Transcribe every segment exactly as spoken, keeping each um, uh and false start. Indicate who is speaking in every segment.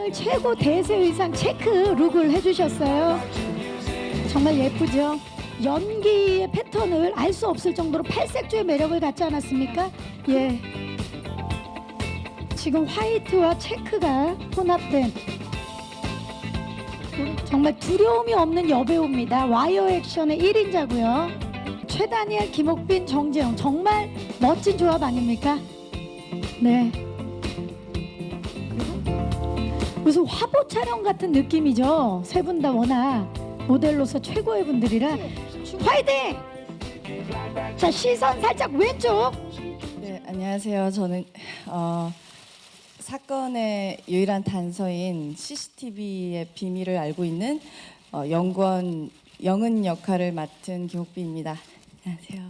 Speaker 1: 오늘 최고 대세 의상 체크 룩을 해주셨어요. 정말 예쁘죠? 연기의 패턴을 알 수 없을 정도로 팔색조의 매력을 갖지 않았습니까? 예. 지금 화이트와 체크가 혼합된 정말 두려움이 없는 여배우입니다. 와이어 액션의 일 인자고요. 최다니엘, 김옥빈, 정재영 정말 멋진 조합 아닙니까? 네. 무슨 화보 촬영 같은 느낌이죠. 세 분 다 워낙 모델로서 최고의 분들이라 화이팅! 자, 시선 살짝 왼쪽.
Speaker 2: 네, 안녕하세요. 저는 어, 사건의 유일한 단서인 씨씨티비의 비밀을 알고 있는 어, 영권 영은 역할을 맡은 김옥빈입니다. 안녕하세요.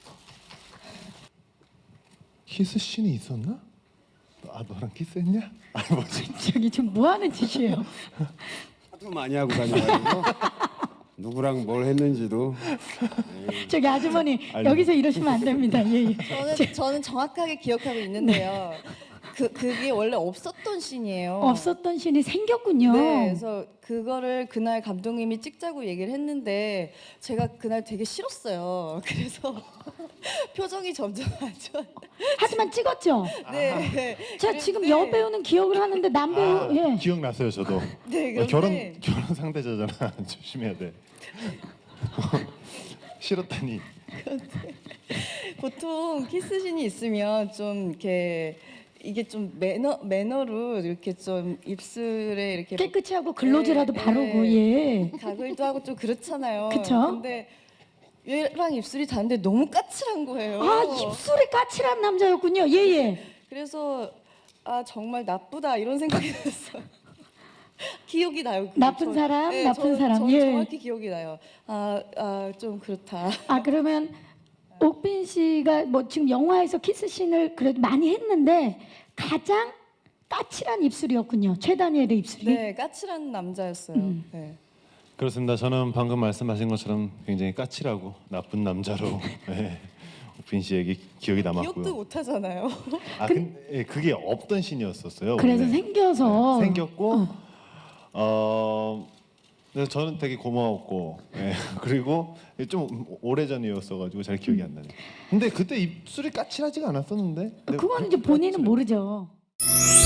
Speaker 3: 키스 씬이 있었나? 아 너랑 키스했냐? 아 뭐지?
Speaker 1: 저기 지금 뭐 하는 짓이에요?
Speaker 4: 하도 많이 하고 다녀가지고 누구랑 뭘 했는지도.
Speaker 1: 저기 아주머니
Speaker 3: 아니.
Speaker 1: 여기서 이러시면 안 됩니다. 예, 예.
Speaker 2: 저는 저는 정확하게 기억하고 있는데요. 그 그게 원래 없었던 씬이에요.
Speaker 1: 없었던 신이 생겼군요.
Speaker 2: 네, 그래서 그거를 그날 감독님이 찍자고 얘기를 했는데 제가 그날 되게 싫었어요. 그래서 표정이 점점 안 좋아.
Speaker 1: 하지만 찍었죠.
Speaker 2: 네.
Speaker 1: 자, 지금
Speaker 2: 그런데-
Speaker 1: 여배우는 기억을 하는데 남배우
Speaker 3: 아,
Speaker 1: 예.
Speaker 3: 기억났어요 저도.
Speaker 2: 네,
Speaker 3: 어, 결혼
Speaker 2: 그런데-
Speaker 3: 결혼 상대자잖아. 조심해야 돼. 싫었다니.
Speaker 2: 보통 키스신이 있으면 좀 이렇게 이게 좀 매너 매너로 이렇게 좀 입술에 이렇게
Speaker 1: 깨끗이 하고 글로즈라도
Speaker 2: 네,
Speaker 1: 바르고
Speaker 2: 네.
Speaker 1: 예.
Speaker 2: 가글도 하고 좀 그렇잖아요.
Speaker 1: 그쵸?
Speaker 2: 근데 얘랑 입술이 다른데 너무 까칠한 거예요.
Speaker 1: 아, 입술이 까칠한 남자였군요. 예, 예.
Speaker 2: 그래서 아 정말 나쁘다 이런 생각이 들었어요. 기억이 나요. 그게.
Speaker 1: 나쁜
Speaker 2: 저-
Speaker 1: 사람,
Speaker 2: 네,
Speaker 1: 나쁜
Speaker 2: 저-
Speaker 1: 사람.
Speaker 2: 저
Speaker 1: 예.
Speaker 2: 정확히 기억이 나요. 아, 아, 좀 그렇다.
Speaker 1: 아, 그러면 옥빈 씨가 뭐 지금 영화에서 키스씬을 그래도 많이 했는데 가장 까칠한 입술이었군요. 최다니엘의 입술이.
Speaker 2: 네, 까칠한 남자였어요.
Speaker 1: 음.
Speaker 2: 네.
Speaker 3: 그렇습니다. 저는 방금 말씀하신 것처럼 굉장히 까칠하고 나쁜 남자로 네, 옥빈 씨에게 기억이
Speaker 2: 기억도
Speaker 3: 남았고요.
Speaker 2: 못 하잖아요.
Speaker 3: 아 근데 예, 그게 없던 씬이었었어요.
Speaker 1: 그래서
Speaker 3: 원래.
Speaker 1: 생겨서
Speaker 3: 네, 생겼고 어. 그래서 저는 되게 고마웠고 예, 그리고 좀 오래전이었어가지고 잘 기억이 안 나네요. 근데 그때 입술이 까칠하지가 않았었는데. 근데
Speaker 1: 그건 이제 본인은 모르죠.